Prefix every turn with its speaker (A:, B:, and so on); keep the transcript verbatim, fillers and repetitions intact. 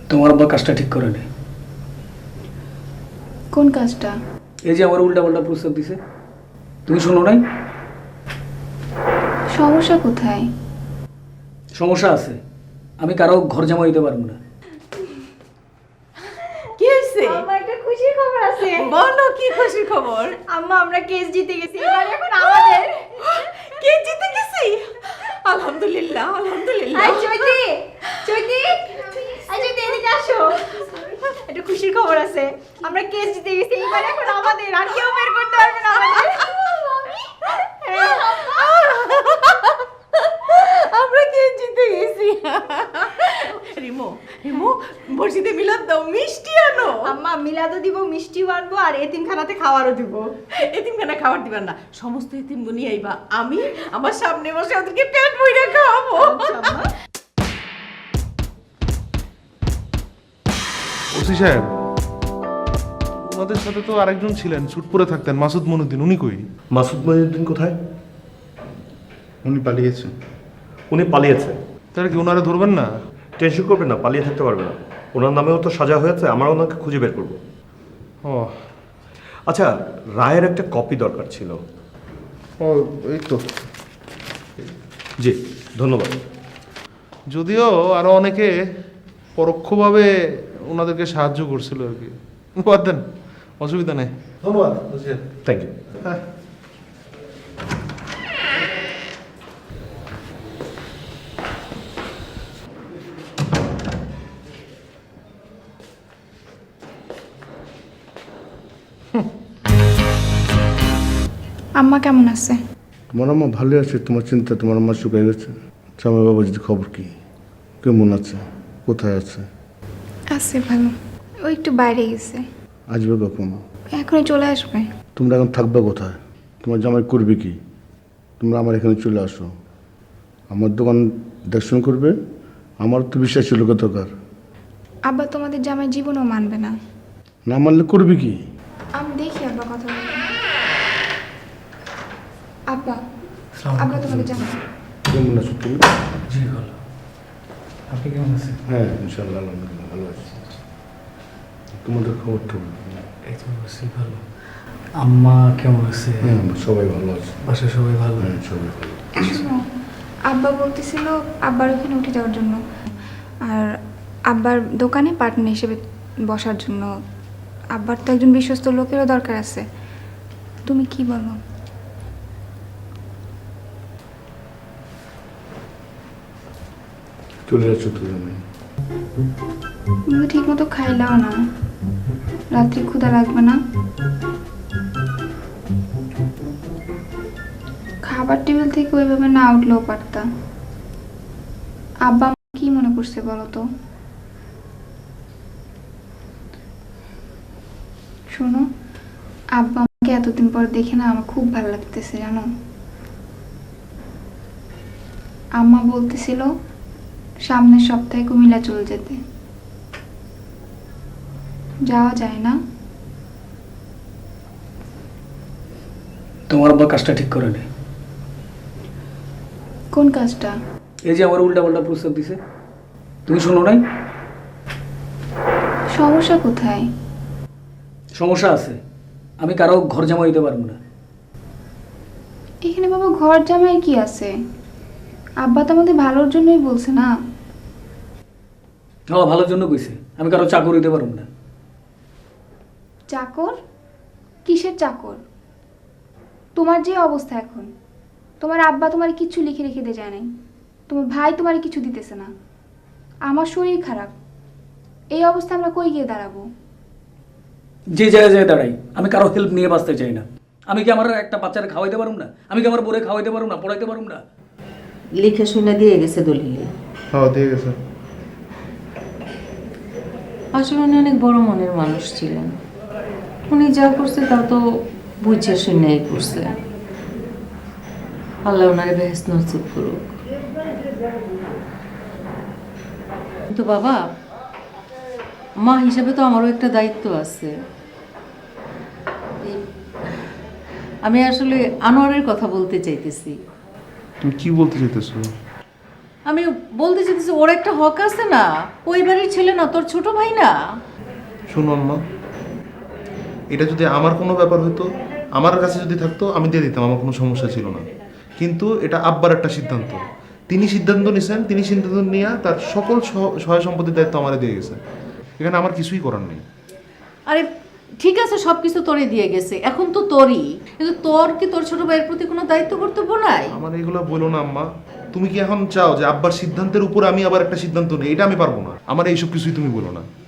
A: তোমার আব্বা কাজটা ঠিক করে নেই।
B: কোন কাজটা?
A: এই যে আমার উল্টা পাল্টা প্রস্তাব দিছে, তুমি শোনো নাই?
B: সমস্যা কোথায়?
A: সমস্যা আছে, আমি কারো ঘর জামা দিতে পারবো না।
C: কি হয়েছে?
D: আম্মা একটা খুশির খবর আছে।
C: বলো কি খুশির খবর?
D: আম্মা আমরা কেস জিতে গেছি, এবার এখন আমাদের।
C: কে জিতে গেছি? আলহামদুলিল্লাহ আলহামদুলিল্লাহ।
D: আই চৈতি, চৈতি, আই চৈতি এদিকে আসো। একটা খুশির খবর আছে, আমরা কেস জিতে গেছি, এবার এখন আমাদের, আর কেউ বের করতে পারবে না আমাদের। হ্যাঁ,
C: আমরা কে জিতে গেছি? রিমো রিমো মসজিদে মিলাদ দাও, মিষ্টি আনো।
D: আম্মা মিলাদও দিব, মিষ্টিও আনবো, আর এতিমখানাতে খাওয়ারও দিব।
C: এতিমখানা খাবার দিবেন না, সমস্ত এতিম গুনি আইবা, আমি আমার সামনে বসে ওদেরকে পেট ভরে খাওয়াবো।
E: ওসি সাহেব, ওনাদের সাথে তো আরেকজন ছিলেন, স্যুট পরে থাকতেন, মাসুদ মনুদ্দিন, উনি কই?
F: মাসুদ মহিউদ্দিন কোথায়?
G: উনি পালিয়েছে।
F: উনি পালিয়েছে।
E: তাহলে কি ওনারা ধরবেন না?
F: টেনশন করবেন না, পালিয়ে থাকতে পারবে না। ওনার নামেও তো সাজা হয়েছে, আমরা ওনাকে খুঁজে বের করব।
E: ও
F: আচ্ছা, রায়ের একটা কপি দরকার ছিল।
G: ও এই তো।
F: জি ধন্যবাদ।
E: যদিও আরো অনেকে পরোক্ষভাবে ওনাদেরকে সাহায্য করছিল আর কি। বাদ দেন, অসুবিধা নেই। ধন্যবাদ।
F: Thank you.
E: হ্যাঁ।
B: আম্মা কেমন আছে?
G: তোমার আম্মা ভালো আছে, তোমার চিন্তা তোমার আম্মা শুকিয়ে গেছে। জামাই বাবা যদি খবর কি, কেমন আছে, কোথায় আছে?
B: আছে ভালো, ও একটু বাইরে গেছে,
G: আসবে কখন?
B: এখনই চলে আসবে।
G: তোমরা এখন থাকবে কোথায়? তোমার জামাই করবে কি? তোমরা আমার এখানে চলে আসো, আমার দোকান দর্শন করবে। আমার তো বিশ্বাস ছিল কতকার।
B: আব্বা তোমাদের জামাই জীবনও মানবে না।
G: না মানলে করবে কি?
B: আমি দেখি আব্বা কথা বলে। আব্বা, আব্বা তোমাদের জামাই।
G: কেমন আছো তুমি?
A: জি ভালো, আপনি কেমন আছেন?
G: হ্যাঁ ইনশাল্লাহ আলহামদুলিল্লাহ ভালো আছি। তোমাদের খবর তো?
A: এই তো আছি ভালো। আম্মা কেমন আছে?
G: হ্যাঁ সবাই ভালো আছে।
A: বাসায় সবাই ভালো?
G: হ্যাঁ সবাই ভালো।
B: শোনো, আব্বা বলতেছিল আব্বার ওখানে উঠে যাওয়ার জন্য, আর আব্বার দোকানে পার্টনার হিসেবে বসার জন্য। আব্বার তো একজন বিশ্বস্ত লোকেরও দরকার আছে। তুমি কি বলো?
G: চলে যাচ্ছ তো জামাই?
B: তুমি তো ঠিক মতো খাইলাও না, রাত্রি ক্ষুধা লাগবে না? খাবার টেবিল থেকে ওইভাবে না উঠলেও পারতা। আব্বা কি মনে করছে বলো তো? শোনো, আব্বা আমাকে এতদিন পর দেখে না আমার খুব ভালো লাগতেছে জানো। আম্মা বলতেছিল সামনের সপ্তাহে কুমিল্লা চলে যেতে। যাওয়া যায় না?
A: তোমার আব্বা কাজটা ঠিক করে নেই।
B: কোন কাজটা?
A: এই যে আমার উল্টা পাল্টা প্রস্তাব দিছে, তুমি শোনো নাই?
B: সমস্যা কোথায়?
A: সমস্যা আছে, আমি কারো ঘর জামা দিতে পারবো না।
B: এখানে বাবা ঘর জামাই কি আছে? আব্বা তো আমাদের ভালোর জন্যই বলছে না।
A: হ্যাঁ ভালোর জন্য কইছে, আমি কারো চাকর দিতে পারবো না।
B: চাকর? কিসের চাকর? তোমার যে অবস্থা এখন, তোমার আব্বা তোমার কিছু লিখে রেখে দিয়ে যায় নাই, তোমার ভাই তোমার কিছু দিতেছে না, আমার শরীর খারাপ, এই অবস্থা আমরা কই গিয়ে দাঁড়াবো?
A: যে জায়গায় জায়গায় দাঁড়াই, আমি কারো হেল্প নিয়ে বাঁচতে চাই না। আমি কি আমার একটা বাচ্চারা খাওয়াইতে পারবো না? আমি কি আমার বোরে খাওয়াইতে পারবো না, পড়াইতে পারবো না?
C: লিখে শুনে দিয়ে গেছে দলিলে।
G: হ্যাঁ দিয়ে গেছে।
H: আসলে উনি অনেক বড় মনের মানুষ ছিলেন। উনি যা করছে তা তো বুঝে শুনেই করছে। আল্লাহ ওনারে বেহেশত নসিব করুক। কিন্তু বাবা, মা হিসাবে তো আমারও একটা দায়িত্ব আছে। এই- আমি আসলে আনোয়ারের কথা বলতে চাইতেছি।
E: তুমি কি বলতে চাইতেছো?
C: আমি বলতে চাইতেছি ওর একটা হক আছে না, ওই বাড়ির ছেলে না, তোর ছোট ভাই না?
E: শুনো আম্মা, এটা যদি আমার কোনো ব্যাপার হতো, আমার কাছে যদি থাকতো আমি দিয়ে দিতাম, আমার কোনো সমস্যা ছিল না। কিন্তু এটা আব্বার একটা সিদ্ধান্ত, তিনি সিদ্ধান্ত নিয়েছেন, তিনি সিদ্ধান্ত নিয়ে তার সকল সহ- সহায় সম্পত্তির দায়িত্ব আমারে দিয়ে গেছে। এখানে আমার কিছুই করার নেই।
C: আরে ঠিক আছে, সব কিছু তোরে দিয়ে গেছে, এখন তো তোরই, কিন্তু তোর কি তোর ছোট ভাইয়ের প্রতি কোনো দায়িত্ব কর্তব্য নাই?
E: আমার এগুলো বলো না আম্মা। তুমি কি এখন চাও যে আব্বার সিদ্ধান্তের উপর আমি আবার একটা সিদ্ধান্ত নিই? এটা আমি পারবো না। আমার এইসব কিছুই তুমি বলো না।